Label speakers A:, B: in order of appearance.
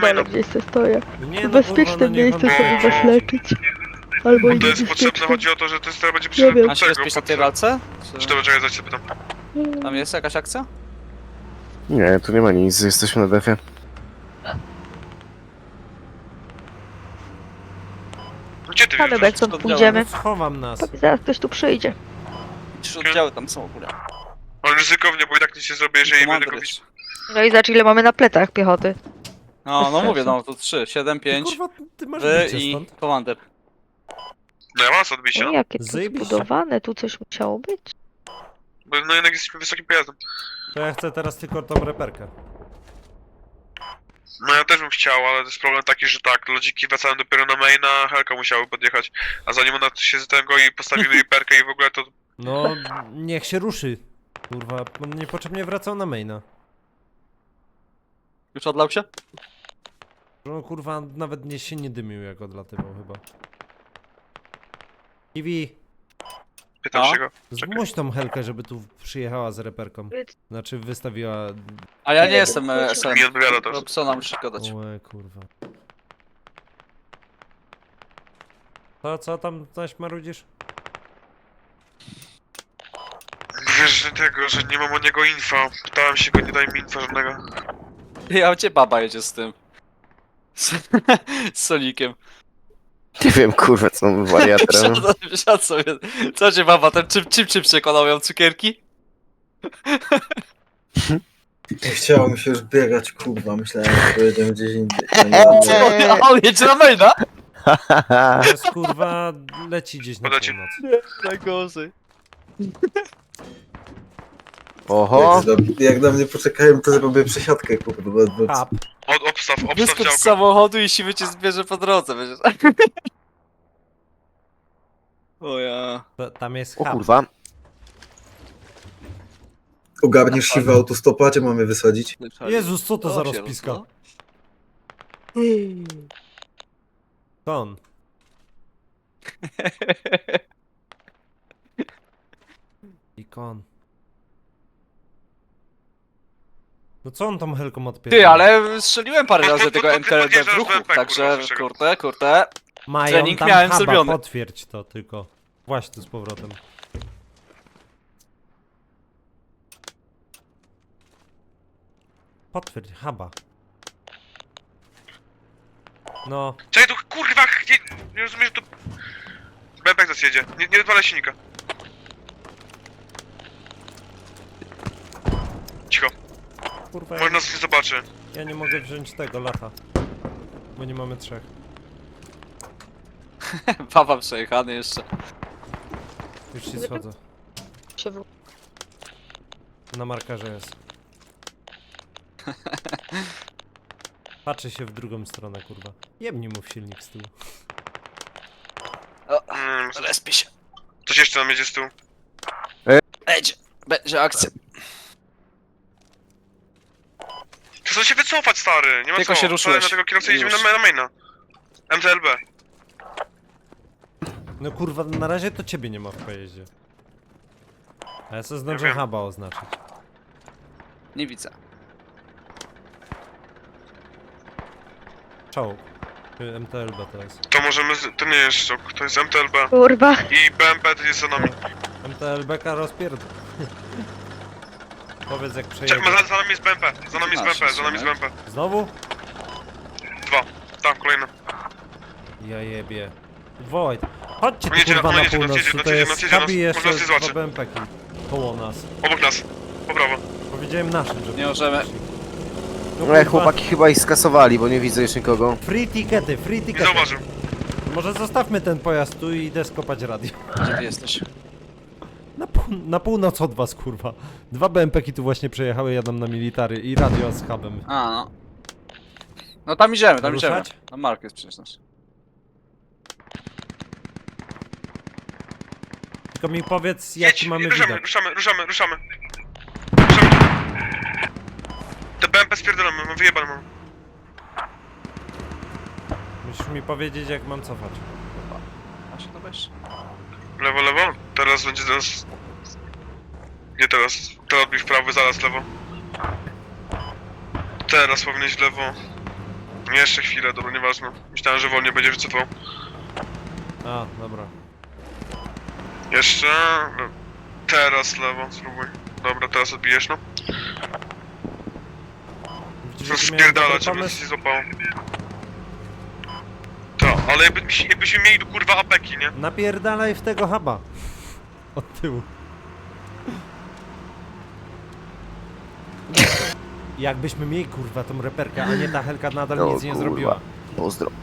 A: dole
B: maina.
A: gdzieś se stoję.
C: Nie,
A: W
C: no,
A: bezpiecznym
C: kurwa, no niech
A: miejscu
C: on-
A: sobie was leczyć. Albo
B: Bo
A: i
B: to jest potrzebne,
A: niebezpiecznym.
B: chodzi o to, że to jest, teraz będzie
A: Nie wiem.
B: potrzebne
D: A się bezpiecznie na tej walce?
B: Czy to czekaj, zaś się pytam.
D: Tam jest jakaś akcja?
E: Nie, tu nie ma nic, jesteśmy na defie.
B: Gdzie ty
A: Panie
B: wiesz?
A: Bekson,
D: oddziałem.
A: pójdziemy.
C: Schowam nas.
A: Pewnie zaraz ktoś tu przyjdzie.
D: 3 oddziały tam są w ogóle.
B: Ale ryzykownie, bo i tak nic nie zrobię, jeżeli będę
D: Komander
B: go widzieć.
D: jest.
A: No i zobacz ile mamy na plecach piechoty.
D: No,
A: Bez
D: no mówię,
A: sensu.
D: no to 3, 7,
C: Ty,
D: 5,
C: kurwa, ty masz
D: wy
C: bicie
D: i
C: stąd.
D: komander.
B: No ja mam co odbić,
A: No
B: no.
A: jakie to
C: Zajebiście.
A: zbudowane, tu coś musiało być.
B: Bo no jednak jesteśmy wysokim pojazdem.
C: To ja chcę teraz tylko tą reperkę.
B: No ja też bym chciał, ale to jest problem taki, że tak, lodziki wracają dopiero na maina, Helka musiały podjechać. A zanim ona się z tego i postawimy riperkę i w ogóle to...
C: No, niech się ruszy. Kurwa, on niepotrzebnie wracał na maina.
D: Już odlał się?
C: No kurwa, nawet nie się nie dymił jak odlatywał chyba. Kiwi,
B: Pytam
D: A?
B: się go. Czekaj.
C: zmuś tą Helkę, żeby tu przyjechała z reperką. Znaczy wystawiła...
D: A ja nie jestem SN.
B: Mi odpowiada to.
D: Robsona musisz gadać.
C: Łe, kurwa. Co tam zaś marudzisz?
B: Wiesz, że tego, że nie mam o niego info. Pytałem się go, nie daj mi info żadnego.
D: Ja cię baba jedzie z tym. Z Solikiem.
E: Nie wiem, kurwa, co on wariatem.
D: Wsiadł sobie. Co cię baba, ten czym przekonał ją cukierki?
F: Nie chciało mi się już biegać, kurwa, myślałem, że pojedziemy gdzieś indziej.
D: A on jedzie na maina?
C: Jest kurwa, leci gdzieś na
B: Podać-
C: północ.
D: Najgorzej.
E: Oho,
F: Jak na mnie poczekają, to zrobię przesiadkę, kurwa, bo
C: A,
B: Obstaw
D: Wyskocz z
B: działko.
D: samochodu i siwy cię zbierze po drodze, będziesz. O ja.
C: tam jest
E: o
C: hub.
E: kurwa.
F: ogarniesz siwy autostopa, gdzie mamy wysadzić?
C: Jezus, co to za
D: O, się
C: rozpiska?
D: rozno.
C: To on. Ikon. No co on tą Helką odpiera?
D: Ty, ale strzeliłem parę razy tego MTLB w
B: podjeżdżasz
D: ruchu,
B: BMP,
D: także
B: kurwa,
D: kurde.
C: Mają
D: trening
C: tam
D: miałem
C: huba,
D: zrobiony.
C: potwierdź to tylko. Właśnie tu z powrotem. Potwierdź, huba. No,
B: Czekaj, tu kurwa, nie rozumiesz, że tu... Bebek nas jedzie, nie odwalaj silnika. Cicho,
C: kurwa,
B: może nas nie zobaczy.
C: ja nie mogę wziąć tego lata. Bo nie mamy trzech.
D: Baba przejechany jeszcze.
C: Już się schodzę.
A: Się w...
C: Na markerze jest. Patrzę się w drugą stronę, kurwa. Jebnij mu w silnik z tyłu.
D: Respie się.
B: Coś jeszcze nam jedzie z tyłu.
D: Będzie akcja.
B: Chcę się wycofać, stary, nie ma
D: Tylko
B: co.
D: się ruszyłeś.
B: Na tego kierowcę jedziemy
D: Już.
B: na maina. MTLB.
C: No kurwa, na razie to ciebie nie ma w pojeździe. A ja sobie zdążę
B: wiem.
C: huba oznaczyć.
D: Nie widzę.
C: Czołg. MTLB to jest.
B: To możemy, to nie jest szok, to jest MTLB.
A: Kurwa.
B: I BMP to jest za nami.
C: MTLB-ka rozpierdol. Powiedz jak
B: Czekaj,
C: przejedzie.
B: za nami jest BMP, za nami jest
D: A,
B: BMP,
D: się
B: za nami jest
D: trzymaj.
B: BMP.
C: Znowu?
B: Tam, kolejny.
C: Ja jebie. Wołaj. Chodźcie tu
B: Jedzie
C: kurwa
B: na-
C: na
B: jedzie nas,
C: północ,
B: jedzie nas,
C: tutaj
B: jedzie
C: jest
B: nas, jedzie nas.
C: hubi i
B: Może
C: jeszcze
B: nas nie zobaczy.
C: dwa BMP-ki koło nas.
B: Obok nas. Po prawo.
C: Powiedziałem naszym, żeby...
D: Nie możemy.
C: No
E: No, chłopaki chyba ich skasowali, bo nie widzę już nikogo.
C: Free tickety, free
B: Nie
C: tickety.
B: zauważył.
C: Może zostawmy ten pojazd tu i idę skopać radio.
D: Gdzie ty jesteś?
C: Na północ od was, kurwa. Dwa BMP-ki tu właśnie przejechały, jadą na military i radio z hubem.
D: A, no. No tam idziemy, tam idziemy.
C: Ruszać?
D: Tam Mark jest przecież nasz.
C: Tylko mi powiedz, jaki mamy
B: ruszamy,
C: widok.
B: ruszamy. Te BMP spierdolamy, mam wyjebane mam.
C: Musisz mi powiedzieć, jak mam cofać.
D: A się to weź.
B: Lewo. Teraz będzie teraz... Nie teraz. Teraz odbij w prawo, zaraz lewo. Teraz powinieneś w lewo. Jeszcze chwilę, dobra, nieważne. Myślałem, że wolniej będzie wycofał.
C: A, dobra.
B: Jeszcze... Teraz lewo, spróbuj. Dobra, teraz odbijesz, no.
C: Widzisz,
B: To
C: jaki miałem
B: spierdalać,
C: dobry
B: żeby
C: pomysł?
B: się złapało. To, ale jakbyśmy mieli kurwa apeki, nie?
C: Napierdalaj w tego huba. Od tyłu. Jakbyśmy mieli kurwa tą reperkę, a nie ta Helka nadal
E: O,
C: nic nie
E: kurwa.
C: zrobiła.
E: Pozdro.